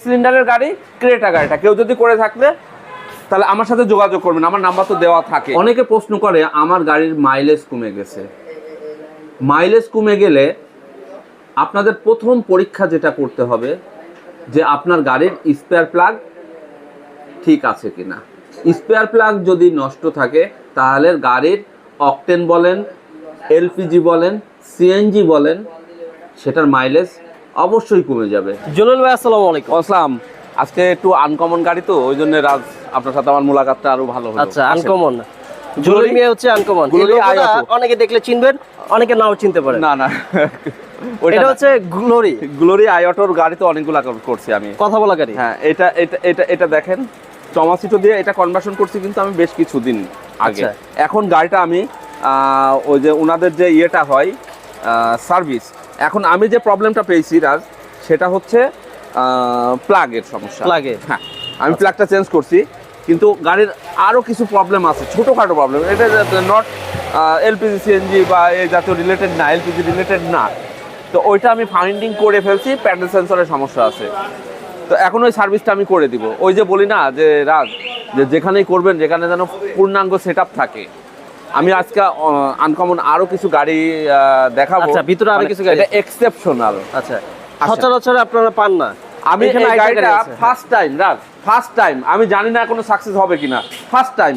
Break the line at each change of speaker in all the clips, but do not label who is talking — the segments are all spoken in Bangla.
সিলিন্ডারের গাড়ি ক্রেটা গাড়িটা কেউ যদি করে থাকলে তাহলে আমার সাথে যোগাযোগ করবেন, আমার নাম্বার তো দেওয়া থাকে। অনেকে প্রশ্ন করে আমার গাড়ির মাইলেজ কমে গেছে। মাইলেজ কমে গেলে আপনাদের প্রথম পরীক্ষা যেটা করতে হবে যে আপনার গাড়ির স্পেয়ার প্লাগ ঠিক আছে কিনা। স্পেয়ার প্লাগ যদি নষ্ট থাকে তাহলে গাড়ির অকটেন বলেন, এলপিজি বলেন, সিএনজি বলেন, সেটার মাইলেজ অবশ্যই কমে যাবে।
জলিল ভাই আসসালামু আলাইকুম।
আসসালাম। আজকে একটু আনকমন গাড়ি তো ওই জন্য রাজ আপনার সাথে আমার মোলাকাতটা আরো ভালো হলো।
আচ্ছা, আনকমন জলিল মিয়া হচ্ছে আনকমন। অনেকে দেখলে চিনবেন, অনেকে নাও চিনতে পারে।
না না
এটা হচ্ছে
গ্লোরি আইঅটোর গাড়ি তো অনেকগুলো করছি আমি,
কথা বলা গাড়ি।
হ্যাঁ, এটা এটা এটা এটা দেখেন টমাসিটো দিয়ে এটা কনভার্সন করছি কিন্তু আমি বেশ কিছুদিন আগে। এখন গাড়িটা আমি ওই যে ওনাদের যে ইয়েটা হয় সার্ভিস, এখন আমি যে প্রবলেমটা পেয়েছি রাজ সেটা হচ্ছে প্লাগের সমস্যা। হ্যাঁ, আমি প্লাগটা চেঞ্জ করছি কিন্তু গাড়ির আরও কিছু প্রবলেম আছে, ছোটোখাটো প্রবলেম। এটা নট এলপিজি সিএনজি বা এই জাতীয় রিলেটেড না, এলপিজি রিলেটেড না। তো ওইটা আমি ফাইন্ডিং করে ফেলছি, প্যাডেল সেন্সরের সমস্যা আছে। তো এখন ওই সার্ভিসটা আমি করে দিব। ওই যে বলি না যে রাজ যে যেখানেই করবেন যেখানে যেন পূর্ণাঙ্গ সেট আপ থাকে। আমি আজকে আনকমন আরো কিছু গাড়ি দেখাবো।
আচ্ছা, ভিতরে আরো কিছু গাড়ি
এক্সেপশনাল।
আচ্ছা, সচরাচর আপনারা পান না।
আমি এই গাড়িটা first time Raj, first time, আমি জানি না কোনো সাকসেস হবে কিনা, ফার্স্ট টাইম।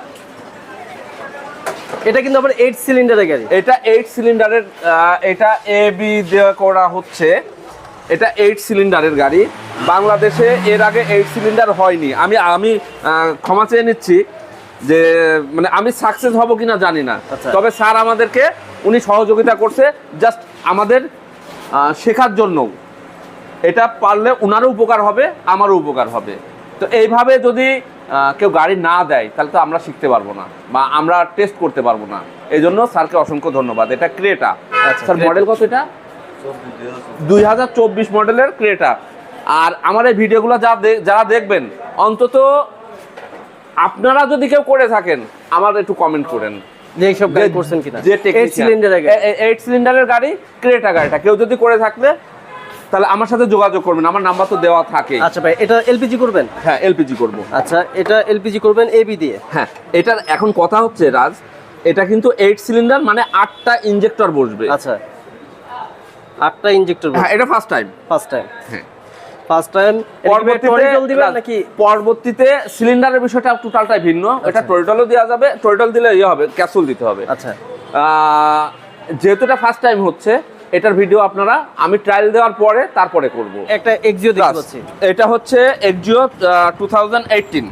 এটা কিন্তু আবার 8 সিলিন্ডারের গাড়ি।
এটা 8 সিলিন্ডারের, এটা এবি দেওয়া করা হচ্ছে। এটা 8 সিলিন্ডারের গাড়ি। বাংলাদেশে এর আগে 8 সিলিন্ডার হয়নি। আমি ক্ষমা চেয়ে নিচ্ছি যে মানে আমি সাকসেস হব কিনা জানি না। তবে স্যার আমাদেরকে উনি সহযোগিতা করছে জাস্ট আমাদের শেখার জন্য। এটা পারলে ওনারও উপকার হবে, আমারও উপকার হবে। তো এইভাবে যদি কেউ গাড়ি না দেয় তাহলে তো আমরা শিখতে পারবো না বা আমরা টেস্ট করতে পারবো না। এই জন্য স্যারকে অসংখ্য ধন্যবাদ। এটা ক্রেটা। স্যার মডেল কত? এটা 2024 মডেলের ক্রেটা। আর আমার এই ভিডিওগুলো যারা দেখবেন অন্তত আপনারা যদি কেউ করে থাকেন আমার একটু কমেন্ট করেন
যে এইসব গাড়ি করছেন কিনা।
যে 8 সিলিন্ডারের গাড়ি ক্রেটা গাড়িটা কেউ যদি করে থাকলে তাহলে আমার সাথে যোগাযোগ করবেন, আমার নাম্বার তো দেওয়া থাকে।
আচ্ছা ভাই, এটা এলপিজি করবেন?
হ্যাঁ, এলপিজি করব।
আচ্ছা, এটা এলপিজি করবেন এবি দিয়ে?
হ্যাঁ, এটার এখন কথা হচ্ছে রাজ, এটা কিন্তু 8 সিলিন্ডার মানে 8টা ইনজেক্টর বসবে।
আচ্ছা, 8টা ইনজেক্টর।
হ্যাঁ, এটা ফার্স্ট টাইম।
হ্যাঁ, ফার্স্ট টাইম।
পরবর্তীতে সিলিন্ডারের বিষয়টা টোটালটাই ভিন্ন। এটা টোটালও দেওয়া যাবে, টোটাল দিলে ইয়ে হবে, ক্যাপসুল দিতে হবে।
আচ্ছা,
যেহেতু এটা ফার্স্ট টাইম হচ্ছে, এটার ভিডিও আপনারা আমি ট্রায়াল দেওয়ার পরে তারপরে করব।
একটা এক্সিও দেখতে পাচ্ছি।
এটা হচ্ছে এক্সিও 2018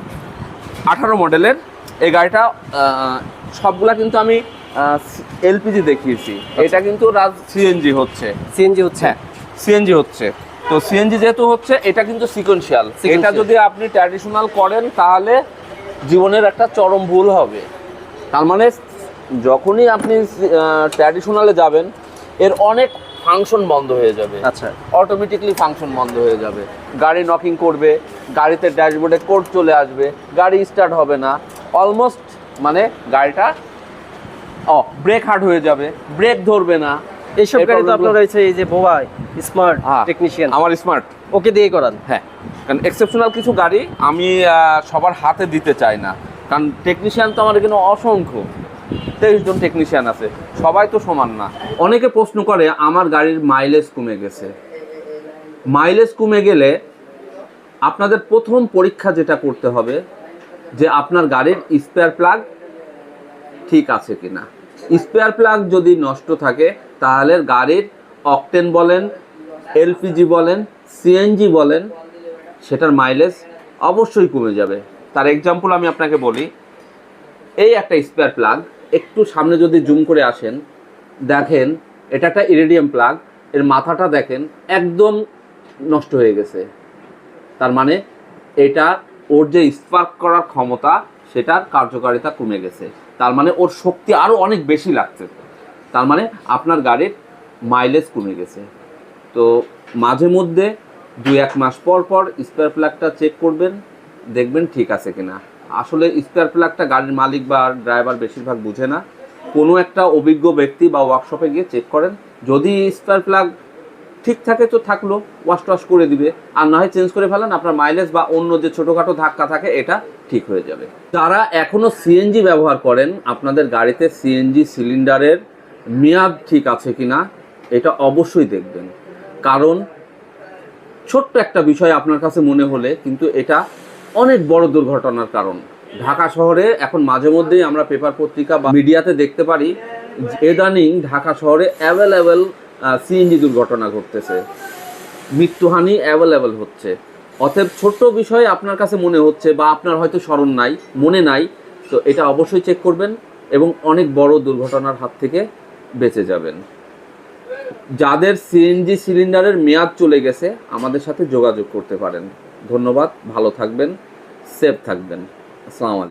মডেলের এই গাড়িটা। সবগুলা কিন্তু আমি এলপিজি দেখিয়েছি। এটা কিন্তু সিএনজি হচ্ছে। হ্যাঁ, সিএনজি হচ্ছে। তো সিএনজি যেহেতু হচ্ছে এটা কিন্তু সিকোয়েন্সিয়াল। এটা যদি আপনি ট্র্যাডিশনাল করেন তাহলে জীবনের একটা চরম ভুল হবে। তার মানে যখনই আপনি ট্র্যাডিশনালে যাবেন এর অনেক ফাংশন বন্ধ হয়ে যাবে।
আচ্ছা,
অটোমেটিকলি ফাংশন বন্ধ হয়ে যাবে। গাড়ি নকিং করবে, গাড়িতে ড্যাশবোর্ডে কোড চলে আসবে, গাড়ি স্টার্ট হবে না, অলমোস্ট মানে গাড়িটা ব্রেক হার্ড হয়ে যাবে, ব্রেক ধরবে না।
এইসব গাড়ি তো আপনার রয়েছে এই যে বোবাই স্মার্ট টেকনিশিয়ান,
আমার স্মার্ট
ওকে দিয়ে করান।
হ্যাঁ, কারণ এক্সেপশনাল কিছু গাড়ি আমি সবার হাতে দিতে চাই না, কারণ টেকনিশিয়ান তো আমার এখানে অসংখ্য 23 জন টেকনিশিয়ান আছে, সবাই তো সমান না। অনেকে প্রশ্ন করে আমার গাড়ির মাইলেজ কমে গেছে। মাইলেজ কমে গেলে আপনাদের প্রথম পরীক্ষা যেটা করতে হবে যে আপনার গাড়ির স্পেয়ার প্লাগ ঠিক আছে কিনা। স্পেয়ার প্লাগ যদি নষ্ট থাকে তাহলে গাড়ির অকটেন বলেন, এলপিজি বলেন, সিএনজি বলেন, সেটার মাইলেজ অবশ্যই কমে যাবে। তার এক্সাম্পল আমি আপনাকে বলি। এই একটা স্পেয়ার প্লাগ, একটু সামনে যদি জুম করে আসেন দেখেন এটা একটা ইরিডিয়াম প্লাগ। এর মাথাটা দেখেন একদম নষ্ট হয়ে গেছে। তার মানে এটা ওর যে স্পার্ক করার ক্ষমতা সেটার কার্যকারিতা কমে গেছে। তার মানে ওর শক্তি আরও অনেক বেশি লাগছে। তার মানে আপনার গাড়ির মাইলেজ কমে গেছে। তো মাঝে মধ্যে 2-1 মাস পর পর স্পেয়ার প্লাগটা চেক করবেন, দেখবেন ঠিক আছে কিনা। আসলে স্পেয়ার প্লাগটা গাড়ির মালিক বা ড্রাইভার বেশিরভাগ বুঝে না। কোনো একটা অভিজ্ঞ ব্যক্তি বা ওয়ার্কশপে গিয়ে চেক করেন। যদি স্পেয়ার প্লাগ ঠিক থাকে তো থাকলো, ওয়াশ টোয়াশ করে দিবে, আর না হয় চেঞ্জ করে ফেলেন, আপনার মাইলেজ বা অন্য যে ছোটোখাটো ধাক্কা থাকে এটা ঠিক হয়ে যাবে। যারা এখনও সিএনজি ব্যবহার করেন, আপনাদের গাড়িতে সিএনজি সিলিন্ডারের মেয়াদ ঠিক আছে কিনা এটা অবশ্যই দেখবেন, কারণ ছোট্ট একটা বিষয় আপনার কাছে মনে হলে কিন্তু এটা অনেক বড় দুর্ঘটনার কারণ। ঢাকা শহরে এখন মাঝে মধ্যেই আমরা পেপার পত্রিকা বা মিডিয়াতে দেখতে পারি, ইদানিং ঢাকা শহরে অ্যাভেলেবেল সিএনজি দুর্ঘটনা ঘটতেছে, মৃত্যুহানি অ্যাভেলেবেল হচ্ছে। অতএব ছোট্ট বিষয় আপনার কাছে মনে হচ্ছে বা আপনার হয়তো স্মরণ নাই, মনে নাই, তো এটা অবশ্যই চেক করবেন এবং অনেক বড় দুর্ঘটনার হাত থেকে বেঁচে যাবেন। যাদের সিএনজি সিলিন্ডারের মেয়াদ চলে গেছে আমাদের সাথে যোগাযোগ করতে পারেন। ধন্যবাদ, ভালো থাকবেন, সেফ থাকবেন। আসসালামু আলাইকুম।